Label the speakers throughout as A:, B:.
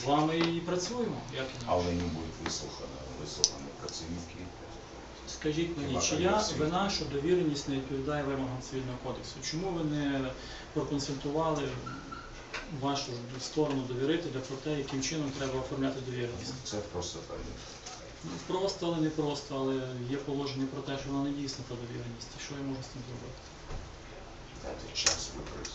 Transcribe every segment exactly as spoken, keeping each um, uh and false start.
A: з вами і працюємо. Як і ні.
B: Але не будуть вислухані, вислухані працівники.
A: Скажіть мені, чия вина, що довіреність не відповідає вимогам Цивільного кодексу? Чому ви не проконсультували вашу сторону довірителя про те, яким чином треба оформляти довіреність?
B: Це просто так.
A: Ну, просто, але не просто, але є положення про те, що вона не дійсна та довіреність. І що я можу з цим зробити?
B: Дайте час випрацювати.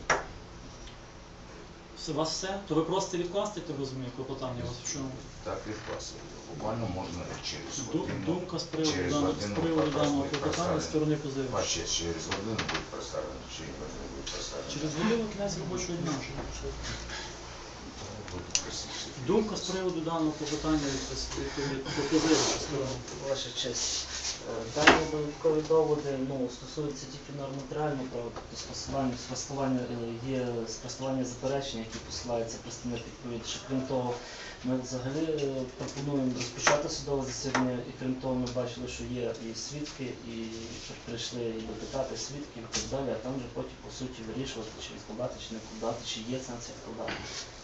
A: У вас все? То ви просто відкласти, я розумію, клопотання у вас в чому?
B: Так, відкласти. Буквально можна через
A: Ду-
B: годину.
A: Думка з приводу
B: через
A: даного, з
B: годину
A: приводу
B: якраз
A: даного
B: буде
A: клопотання з
B: представлено.
A: сторони позивача.
B: Ваше через годину буде представлено, чи не буде представлено.
A: Через годину кінець робочого дня.
B: Буде присутні.
A: Думка з приводу даного клопотання від позивача сторони.
C: Ваша честь, дані додаткові доводи ну, стосуються тільки нормативного права, тобто спростування, спростування, е, є спростування заперечень, які посилаються представник відповідача. Крім того, ми взагалі е, пропонуємо розпочати судове засідання, і крім того, ми бачили, що є і свідки, і прийшли і допитати свідків і так далі, а там вже потім по суті вирішувати, чи відкладати, чи не відкладати, чи є сенс відкладати.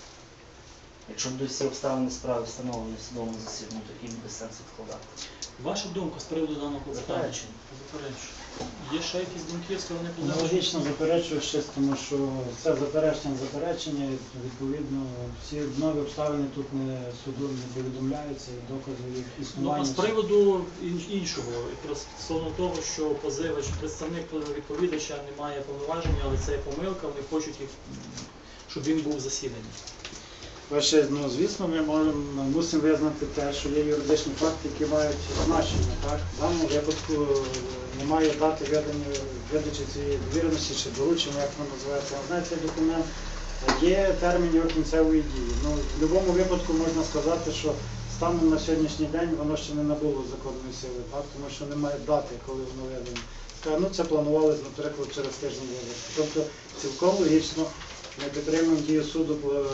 C: Якщо будуть всі обставини справи встановлені в судовому засіданні, то який буде сенс відкладати?
A: Ваша думка з приводу даного клопотання?
C: Заперечення.
A: Заперечення. Є ще якісь думки з сторони позивача?
D: Аналогічно заперечую щось, тому що це заперечення заперечення, і, відповідно, всі нові обставини тут не судом не повідомляються, і докази їх
A: Ну,
D: існування.
A: а з приводу ін- іншого, якраз стосовно того, що позивач, представник відповідача не має повноважень, але це є помилка, вони хочуть їх, щоб він був в засіданні.
D: Ваше, ну, звісно, ми можемо, мусимо визнати те, що є юридичні факти, які мають значення. Так? В даному випадку е, немає дати ведення, видачі цієї довіреності чи доручення, як воно називається, не знаю цей документ. Є термін його кінцевої дії. Ну, в будь-якому випадку можна сказати, що станом на сьогоднішній день воно ще не набуло законної сили, так? Тому що немає дати, коли воно видано. Ну, це планувалося, наприклад, через тиждень вивести. Тобто цілком логічно ми підтримуємо дію суду,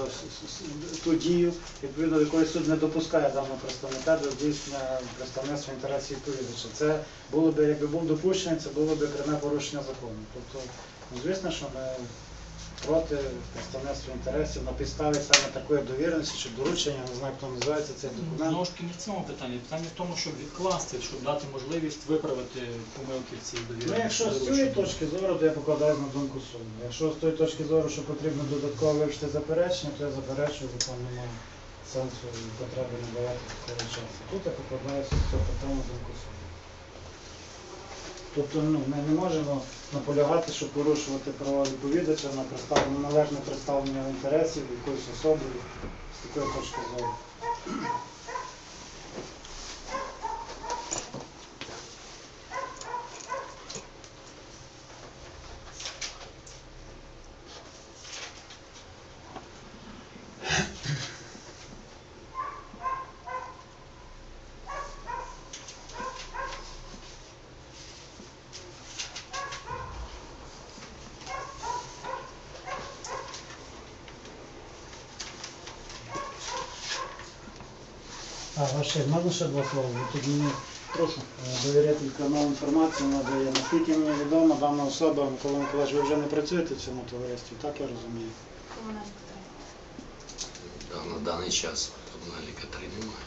D: ту дію, відповідно до якої суд не допускає даного представника до здійснення представництва інтересів відповідача. Це було б, якби був допущений, це було б пряме порушення закону. Тобто, ну, звісно, що ми проти представництва інтересів на підставі саме такої довіреності чи доручення, не знаю, хто називається цей документ.
A: Знову ж таки, не в цьому питанні. Питання в тому, щоб відкласти, щоб дати можливість виправити помилки в цій довіреності.
D: Ну, якщо з цієї точки зору, то я покладаю на думку суду. Якщо з тої точки зору, що потрібно додатково вивчити заперечення, то я заперечую, бо там немає сенсу і потреби надавати такого часу. Тут я покладаюся з цього питання на думку суду. Тобто, ну, ми не можемо наполягати, щоб порушувати права відповідача на представлення, належне представлення інтересів якоїсь особи з такої точки зору. А, ваше, можна ще два слова? Тут мені
A: Прошу.
D: довірителька нову інформацію надає. Наскільки мені відомо, дана особа, Микола Миколаївич, ви вже не працюєте в цьому товаристві, так я розумію?
E: Да, на даний час комунальника три немає.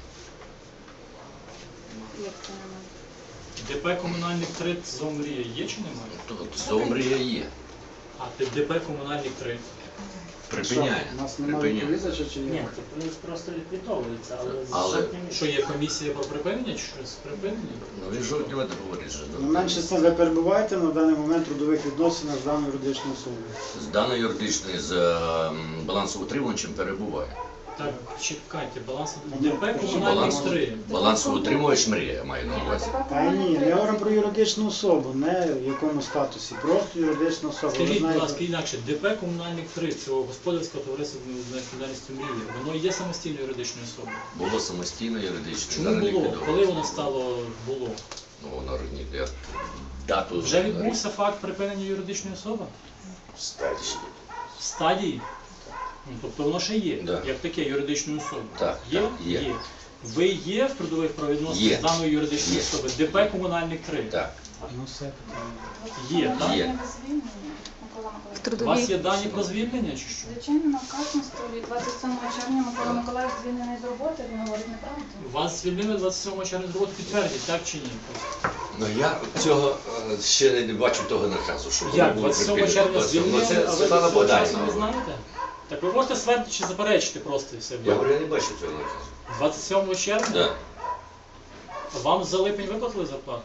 F: Як це немає?
A: ДП комунальник три Зомрія є чи немає?
E: Тут Зомрія є.
A: А ДП комунальник три.
E: Припиняє.
D: Що, у нас немає
E: Припиняє.
D: відповідача чи
C: Ні,
D: є?
C: це плюс просто ліквідовується, але з
E: Але-
C: жовтня
A: Що є комісія про припинення чи щось припинення?
E: Ну він жовтневе говорить, що
D: Ну, менше з тим, ви перебуваєте на даний момент в трудових відносинах з даною юридичною особою.
E: з даної юридичної з ем, балансоутримувачем перебуває.
A: Так, чекайте, баланс
D: Ні,
A: ДП
D: баланс-
A: комунальник три.
E: Балансоутримувач мрія має на увазі.
D: Та ні, ми говоримо про юридичну особу, не в якому статусі, просто юридична особа. Ви
A: Скажіть, будь
D: знаєте,
A: ласка, інакше, ДП комунальник три цього господарського товариства з відповідальністю мрії, воно є самостійною юридичною особою.
E: Було самостійно юридично.
A: Чому
E: зараз
A: було?
E: ліквідовано.
A: Коли воно стало було?
E: Ну воно ні, я дату
A: Вже відбувся факт припинення юридичної особи?
B: Статично.
A: В стадії? Ну, тобто воно ще є,
E: Да.
A: як таке юридичною особою.
E: Так,
A: Є?
E: так, є.
A: Ви є в трудових правовідносинах
E: Є.
A: з даної юридичної
E: Є.
A: особи? ДП комунальник три?
E: Так.
D: ну все питання.
A: Є, так?
E: Є.
F: Без звільнення Микола Миколаївич.
A: У вас
F: трудовій.
A: є дані про звільнення чи що?
G: Звичайно, на вказано столі двадцять сьомого червня Микола Миколаївич звільнений з роботи, він говорить неправду.
A: Вас звільнили двадцять сьомого червня з роботи, підтвердіть, так чи ні?
E: Ну я цього е, ще не бачу того наказу, що воно
A: Як?
E: було
A: двадцять сьомого
E: припинено.
A: червня
E: двадцять сьомого.
A: звільнили,
E: Ну,
A: а
E: це
A: ви
E: Світлана
A: до цього часу
E: Богданівна.
A: не знаєте? Так ви можете ствердити чи заперечити просто і все.
E: Я говорю, я не бачу цього наказу.
A: двадцять сьомого червня
E: Да.
A: вам за липень виплатили зарплату?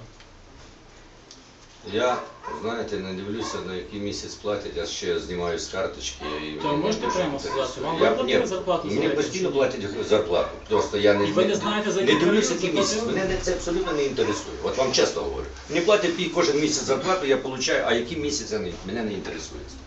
E: Я, знаєте, не дивлюся, на який місяць платять, я ще знімаю з карточки. І
A: То
E: мені
A: можете
E: дуже
A: прямо
E: інтересує.
A: сказати, вам
E: Я-
A: виплатили
E: ні,
A: зарплату за
E: Мені
A: липень
E: постійно
A: чи ні?
E: платять зарплату. Просто я не,
A: І ви не знаєте, за
E: не
A: який
E: дивлюся,
A: період
E: який місяць.
A: заплатили?
E: Мене це абсолютно не інтересує. От вам чесно говорю. Мені платять пі- кожен місяць зарплату, я получаю, а який місяць я не, мене не інтересує.